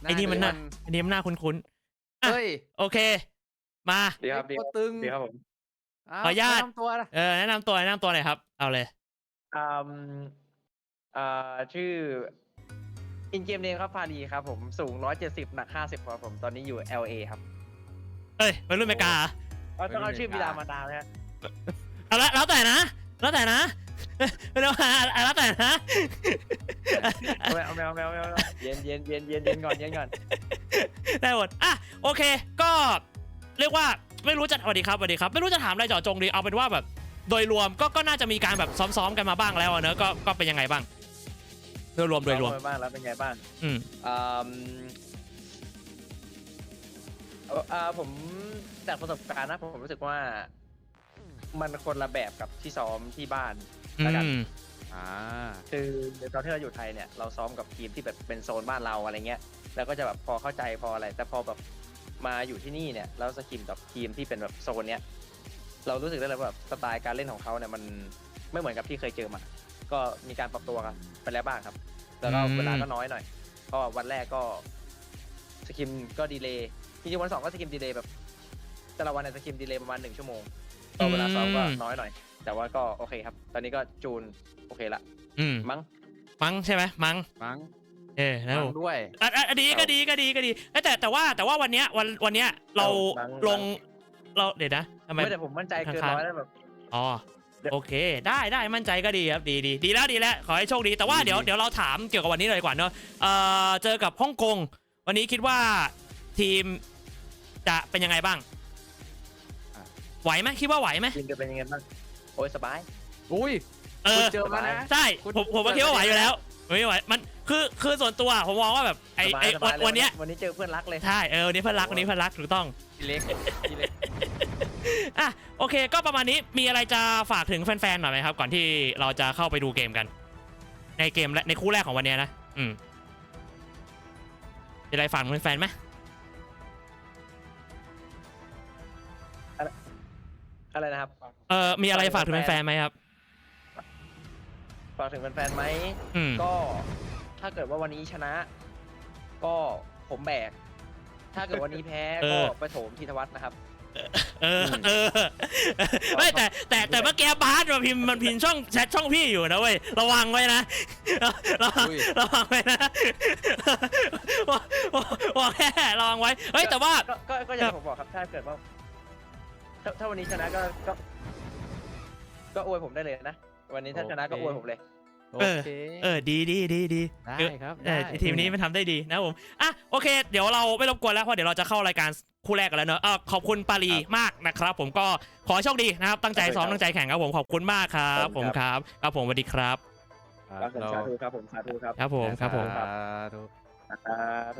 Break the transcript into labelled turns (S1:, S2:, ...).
S1: ไอ้นี่มันน่าคุ้นๆอ่ะ
S2: เฮ้ย
S1: โอเคมา
S3: ดีครับดี
S2: ตั
S3: คว รับ
S2: ตึง
S3: ดีครับผม
S1: ขออนุญาต
S2: แนะนำตัวนะ
S1: แนะนำตัวหน่อยครับเอาเลย
S3: อืมชื่ออินเกมเนมครับพาดีครับผมสูง170หนัก50ครับผมตอนนี้อยู่ LA ครับ
S1: เอ้ยวัยรุ่นเมกา
S3: ต้องเอาชื่อบิดามารดาไหมฮะ
S1: เอาละแล้วแต่นะไม่ต้องแล้วแต่นะ
S3: เอาแมวเย็นก่อน
S1: ได้หมดอ่ะโอเคก็เรียกว่าไม่รู้จะสวัสดีครับไม่รู้จะถามอะไรเจาะจงดีเอาเป็นว่าแบบโดยรวมก็น่าจะมีการแบบซ้อมกันมาบ้างแล้วเนอะก็เป็นยังไงบ้างโดยรวม
S3: บ้างแล้วเป็นไงบ้าง
S1: อืม
S3: ผมจากประสบการณ์นะผมรู้สึกว่ามันคนละแบบกับที่ซ้อมที่บ้านแล้วกันคือตอนที่เราอยู่ไทยเนี่ยเราซ้อมกับทีมที่แบบเป็นโซนบ้านเราอะไรเงี้ยแล้วก็จะแบบพอเข้าใจพออะไรแต่พอแบบมาอยู่ที่นี่เนี่ยแล้วสกิมกับทีมที่เป็นแบบโซนเนี้ยเรารู้สึกได้เลยว่าแบบสไตล์การเล่นของเขาเนี่ยมันไม่เหมือนกับที่เคยเจอมาก็มีการปรับตัวกันไปแล้วบ้างครับแล้วก็เวลาก็น้อยหน่อยก็วันแรกก็สกิมก็ดีเลย์จริงๆวัน2ก็สกิมดีเลย์แบบแต่ละวันเนี่ยสกิมดีเลย์ประมาณ1 ชั่วโมงก็เวลาซ้อมก็น้อยหน่อยแต่ว่าก็โอเคครับตอนนี้ก็จูนโอเคละมั้ง
S1: ใช่ไหมมั้งนะผม
S2: ด้วย
S1: ดีก็ดีแต่ว่าวันเนี้ยเราลงเราเดี๋ยวนะทำไม
S3: แต่ผมมั่นใจเกินร้อยแล้วแบบ
S1: อ๋อโอเคได้มั่นใจก็ดีครับดีแล้วขอให้โชคดีแต่ว่าเดี๋ยวเราถามเกี่ยวกับวันนี้เลยดีกว่าเนอะเจอกับฮ่องกงวันนี้คิดว่าทีมจะเป็นยังไงบ้างไหวไหมคิดว่าไหวไหม
S3: ทีมจะเป็นยังไงบ้างโอ้ยสบาย
S2: อุ้ยเจอมานะ
S1: ใช่ผมคิดว่าไหวอยู่แล้วไม่ไหวมันคือส่วนตัวผมมองว่าแบบไอ้วันนี้
S3: เจอเพื่อนรักเลย
S1: ใช่วันนี้เพื่อนรักถูกต้อง
S2: เล็ก
S1: อ่ะโอเคก็ประมาณนี้มีอะไรจะฝากถึงแฟนๆหน่อยไหมครับก่อนที่เราจะเข้าไปดูเกมกันในเกมและในคู่แรกของวันนี้นะมีอะไรฝากถึงแฟนๆไหม
S3: อะไรนะครับ
S1: มีอะไรฝากถึงแฟนๆไหมครับ
S3: ฝากถึงแฟนๆไหมก็ถ้าเกิดว่าวันนี้ชนะ ก็ผมแบกถ้าเกิดวันนี้แพ้ก็ไปโถมธีธวัฒน์นะครับ
S1: ไม่แต่เมื่อกี้บาสมันพิมพ์ช่องแชทช่องพี่อยู่นะเว้ยระวังไว้นะระวังไว้นะบอกแค่ระวังไว้เฮ้ยแต่ว่า
S3: ก็อย่างผมบอกครับถ้าเกิดว่าถ้าวันนี้ชนะก็อวยผมได้เลยนะวันนี้ถ้าชนะก็อวยผมเลย
S1: ดี
S2: ได้ครับ
S1: ทีมนี้มันทำได้ดีนะผมอ่ะโอเคเดี๋ยวเราไม่รบกวนแล้วเพราะเดี๋ยวเราจะเข้ารายการคู่แรกกันแล้วเนอะขอบคุณปารีมากนะครับผมก็ขอโชคดีนะครับตั้งใจซ้อมตั้งใจแข่งครับผมขอบคุณมากครับผมครับผมสวัสดีครับ
S3: สาธุครับผมสาธุครับ
S1: ครับผม